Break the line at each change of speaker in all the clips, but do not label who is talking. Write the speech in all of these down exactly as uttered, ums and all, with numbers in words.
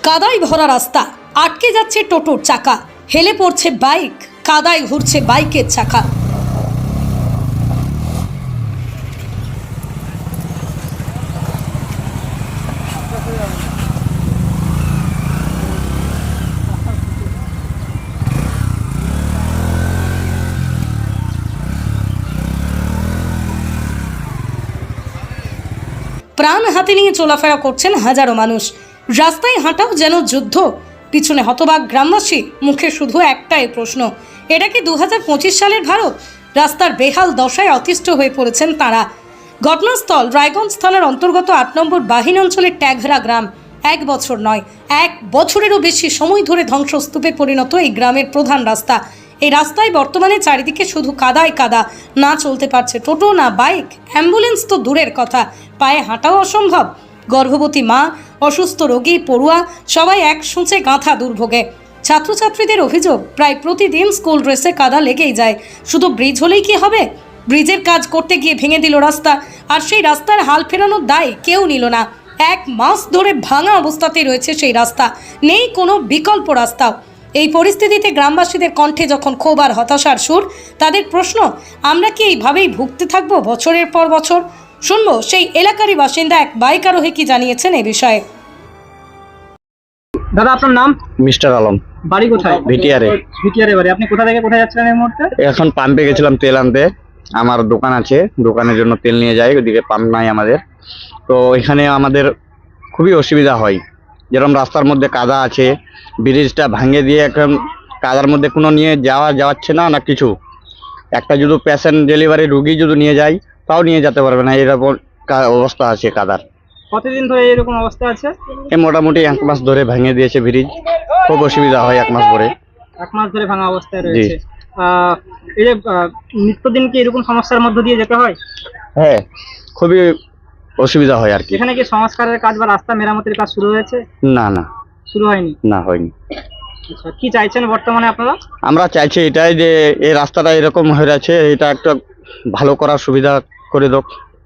কাদায় ভরা রাস্তা, আটকে যাচ্ছে টোটোর চাকা, হেলে পড়ছে বাইক, কাদায় ঘুরছে বাইকের চাকা। প্রাণ হাতে নিয়ে চলাফেরা করছেন হাজারো মানুষ। রাস্তায় হাঁটাও যেন যুদ্ধ। পিছনে হতবাক গ্রামবাসী, মুখে শুধু একটাই প্রশ্ন, এটা কি দু হাজার পঁচিশ সালের ভারত? রাস্তার বেহাল দশায় অতিষ্ঠ হয়ে পড়েছেন তারা। ঘটনাস্থল রায়গঞ্জ থানার অন্তর্গত আট নম্বর বাহিনী অঞ্চলের ট্যাঘরা গ্রাম। এক বছর নয়, এক বছরেরও বেশি সময় ধরে ধ্বংসস্তূপে পরিণত এই গ্রামের প্রধান রাস্তা। এই রাস্তায় বর্তমানে চারিদিকে শুধু কাদায় কাদা। না চলতে পারছে টোটো, না বাইক, অ্যাম্বুলেন্স তো দূরের কথা, পায়ে হাঁটাও অসম্ভব। গর্ভবতী মা, অসুস্থ রোগী, পড়ুয়া সবাই এক সূঁচে গাঁথা দুর্ভোগে। ছাত্রছাত্রীদের অভিযোগ, প্রায় প্রতিদিন স্কুল ড্রেসে কাদা লেগেই যায়। শুধু ব্রিজ হলেই কি হবে? ব্রিজের কাজ করতে গিয়ে ভেঙে দিল রাস্তা, আর সেই রাস্তার হাল ফেরানোর দায় কেউ নিল না। এক মাস ধরে ভাঙা অবস্থাতেই রয়েছে সেই রাস্তা, নেই কোনো বিকল্প রাস্তাও। এই পরিস্থিতিতে গ্রামবাসীদের কণ্ঠে যখন ক্ষোভ আর হতাশার সুর, তাদের প্রশ্ন, আমরা কি এইভাবেই ভুগতে থাকবো বছরের পর বছর? শুনবো সেই এলাকারই বাসিন্দা এক বাইক আরোহী কি জানিয়েছেন এই বিষয়ে।
দাদা, আপনার নাম?
মিস্টার আলম।
বাড়ি কোথায়?
ভিটিআরে।
ভিটিআরে বাড়ি। আপনি কোথা থেকে কোথায় যাচ্ছিলেন এই মুহূর্তে?
এখন পাম্পে গেছিলাম তেল আনতে। আমার দোকান আছে, দোকানের জন্য তেল নিয়ে যাই, ওদিকে পাম্প নাই আমাদের। তো এখানে আমাদের খুবই অসুবিধা হয়। যেরকম রাস্তার মধ্যে কাদা আছে, ব্রিজটা ভাঙে দিয়ে এখন কাদার মধ্যে কোনো নিয়ে যাওয়া যাচ্ছে না না কিছু। একটা যদি পেশেন্ট ডেলিভারি রুগী যদি নিয়ে যায়, তাও নিয়ে যেতে পারবে না, এরকম অবস্থা আছে কাদার।
কতদিন ধরে এরকম অবস্থা আছে?
এই মোটামুটি এক মাস ধরে ভেঙে দিয়েছে ব্রিজ। খুব অসুবিধা হয় এক মাস ধরে।
এক মাস ধরে ভাঙা অবস্থায় রয়েছে। আহ এই যে নিত্যদিন কি এরকম সমস্যার মধ্য দিয়ে যেতে হয়?
হ্যাঁ, খুবই অসুবিধা হয় আর কি।
এখানে কি সংস্কারের কাজ বা রাস্তা মেরামতের কাজ শুরু হয়েছে?
না না,
শুরু হয়নি।
না হয়নি।
আচ্ছা, কি চাইছেন বর্তমানে আপনারা?
আমরা চাইছি এটাই যে এই রাস্তাটা এরকম হয়ে আছে, এটা একটা ভালো করার সুবিধা করে দাও।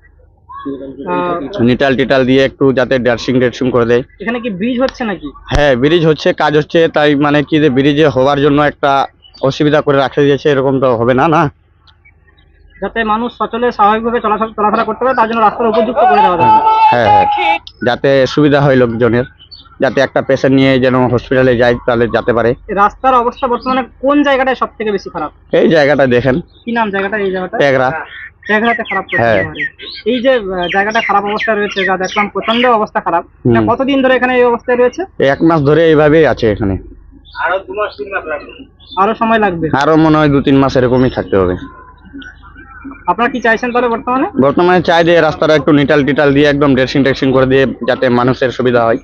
নিটাল টিটাল দিয়ে একটু যাতে ড্যাশিং ড্যাশিং করে দেয়।
এখানে কি ব্রিজ হচ্ছে নাকি?
হ্যাঁ, ব্রিজ হচ্ছে, কাজ হচ্ছে, তাই মানে কি যে ব্রিজে হওয়ার জন্য একটা অসুবিধা করে রাখা দিয়েছে, এরকম তো হবে না না।
যাতে মানুষ সচলে স্বাভাবিকভাবে চলাচল চলাফেরা করতে পারে, তার জন্য রাস্তার উপযুক্ত করে দেওয়া দরকার।
হ্যাঁ হ্যাঁ, যাতে সুবিধা হয় লোকজনের, যাতে একটা পেশেন্ট নিয়ে যেন হসপিটালে যায় তাহলে যেতে পারে।
রাস্তার অবস্থা বর্তমানে কোন জায়গাটায় সব থেকে বেশি খারাপ?
এই জায়গাটা দেখেন।
কি নাম জায়গাটা? এই জায়গাটা
ট্যাঘরা।
ট্যাঘরাতে খারাপ।
হ্যাঁ।
এই যে জায়গাটা খারাপ অবস্থায় রয়েছে, যা দেখলাম প্রচন্ড অবস্থা খারাপ। কতদিন ধরে এখানে এই অবস্থায় রয়েছে?
এক মাস ধরে এইভাবেই আছে এখানে।
আরো দু মাস তিন মাস লাগবে? আরো সময় লাগবে?
আরো মনে হয় দু তিন মাস এরকমই থাকতে হবে।
আপনারা কি চাইছেন তাহলে বর্তমানে?
বর্তমানে চাই যে রাস্তাটা একটু নিটাল টিটাল দিয়ে একদম ড্রেসিং টেক্সিং করে দিয়ে যাতে মানুষের সুবিধা হয়।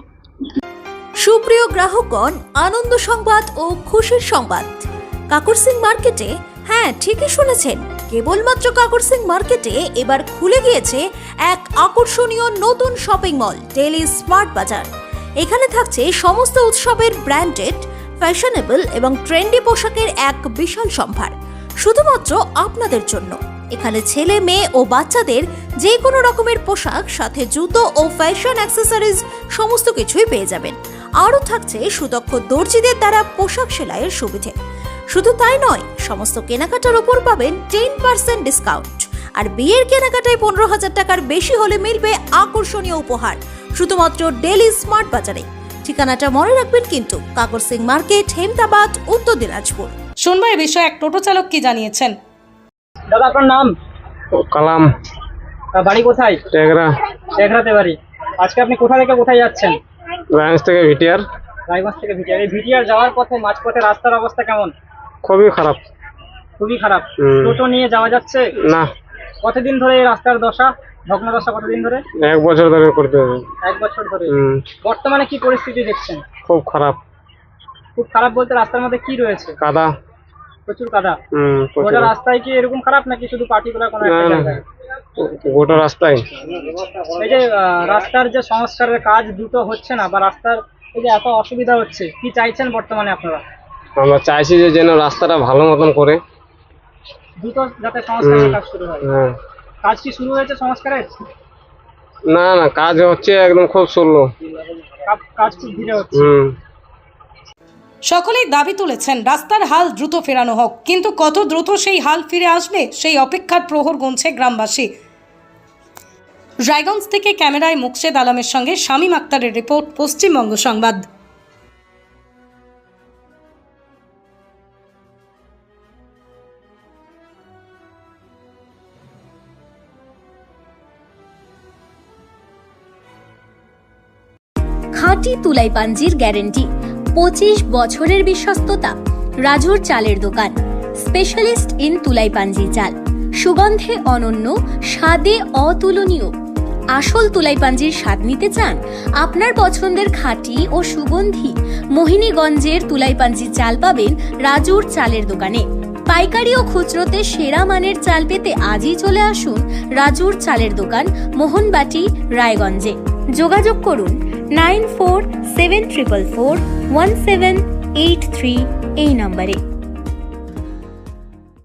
সুপ্রিয় গ্রাহকগণ, আনন্দ সংবাদ ও খুশির সংবাদ। কাকর সিং মার্কেটে, হ্যাঁ ঠিকই শুনেছেন, কেবলমাত্র কাকর সিং মার্কেটে এবার খুলে গিয়েছে এক আকর্ষণীয় নতুন শপিং মল, ডেইলি স্মার্ট বাজার। এখানে থাকছে সমস্ত উৎসবের ব্র্যান্ডেড, ফ্যাশনেবল এবং ট্রেন্ডি পোশাকের এক বিশাল সম্ভার, শুধুমাত্র আপনাদের জন্য। এখানে ছেলে, মেয়ে ও বাচ্চাদের যে কোনো রকমের পোশাক, সাথে জুতো ও ফ্যাশন অ্যাক্সেসরিজ সমস্ত কিছুই পেয়ে যাবেন। আরও থাকছে সুদক্ষ দর্জিদের দ্বারা পোশাক সেলাইয়ের সুবিধে। শুধু তাই নয়, সমস্ত কেনাকাটার ওপর পাবেন টেন পার্সেন্ট ডিসকাউন্ট, আর বিয়ের কেনাকাটায় পনেরো হাজার টাকার বেশি হলে মিলবে আকর্ষণীয় উপহার, শুধুমাত্র ডেইলি স্মার্ট বাজারে। ঠিকানাটা মনে রাখবেন কিন্তু, কাকর সিং মার্কেট, হেমতাবাদ, উত্তর দিনাজপুর।
শুনবো এ বিষয়ে এক টোটো চালক কি জানিয়েছেন।
দাদা, আপনার নাম?
কালাম।
বাড়ি কোথায়?
ট্যাঘরা।
ট্যাঘরাতে বাড়ি। আজকে আপনি কোথা থেকে কোথায় যাচ্ছেন?
রায়গঞ্জ থেকে ভিটিআর।
রায়গঞ্জ থেকে ভিটিআর। এই ভিটিআর যাওয়ার পথে মাঝপথে রাস্তার অবস্থা কেমন?
খুবই খারাপ।
খুবই খারাপ। টোটো নিয়ে যাওয়া যাচ্ছে
না।
কতদিন ধরে এই রাস্তার দশা, ভগ্ন দশা কতদিন ধরে?
এক বছর ধরে করতে হবে।
এক বছর ধরে। বর্তমানে কি পরিস্থিতি দেখছেন?
খুব খারাপ।
খুব খারাপ বলতে রাস্তার মধ্যে কি রয়েছে?
কাদা,
প্রচুর কাদা।
হুম।
গোটা রাস্তায় কি এরকম খারাপ নাকি শুধু পার্টিকুলার কোনো একটা জায়গায়?
গোটা রাস্তায়।
এই যে রাস্তার যে সংস্কারের কাজ দ্রুত হচ্ছে না, বা রাস্তার এই যে এত অসুবিধা হচ্ছে, কি চাইছেন বর্তমানে আপনারা?
আমরা চাইছি যে যেন রাস্তাটা ভালো মতন করে,
দ্রুত যাতে সংস্কারের কাজ শুরু হয়।
হ্যাঁ।
কাজ কি শুরু হয়েছে সংস্কারের?
না না কাজ হচ্ছে একদম খুব স্লো।
কা- কাজ খুব ধীরে হচ্ছে।
হুম
সকলেই দাবি তুলেছেন রাস্তার হাল দ্রুত ফেরানো হোক, কিন্তু কত দ্রুত সেই হাল ফিরে আসবে সেই অপেক্ষার প্রহর গুনছে গ্রামবাসী। রায়গঞ্জ থেকে ক্যামেরায় মুকশেদ আলমের সঙ্গে শামীম আক্তারের রিপোর্ট, পশ্চিমবঙ্গ সংবাদ।
খাঁটি তুলাই পাঞ্জির গ্যারেন্টি, পঁচিশ বছরের বিশ্বস্ততা। রাজুর চালের দোকান, স্পেশালিস্ট ইন তুলাই পাঞ্জি চাল, সুগন্ধে অনন্য, স্বাদে অতুলনীয়। আসল তুলাই পাঞ্জির স্বাদ নিতে চান? আপনার পছন্দের খাঁটি ও সুগন্ধি মোহিনীগঞ্জের তুলাই পাঞ্জি চাল পাবেন রাজুর চালের দোকানে। পাইকারি ও খুচরোতে সেরা মানের চাল পেতে আজই চলে আসুন রাজুর চালের দোকান, মোহনবাটি, রায়গঞ্জে। যোগাযোগ করুন nine four seven triple four one seven eight three এই নম্বরে।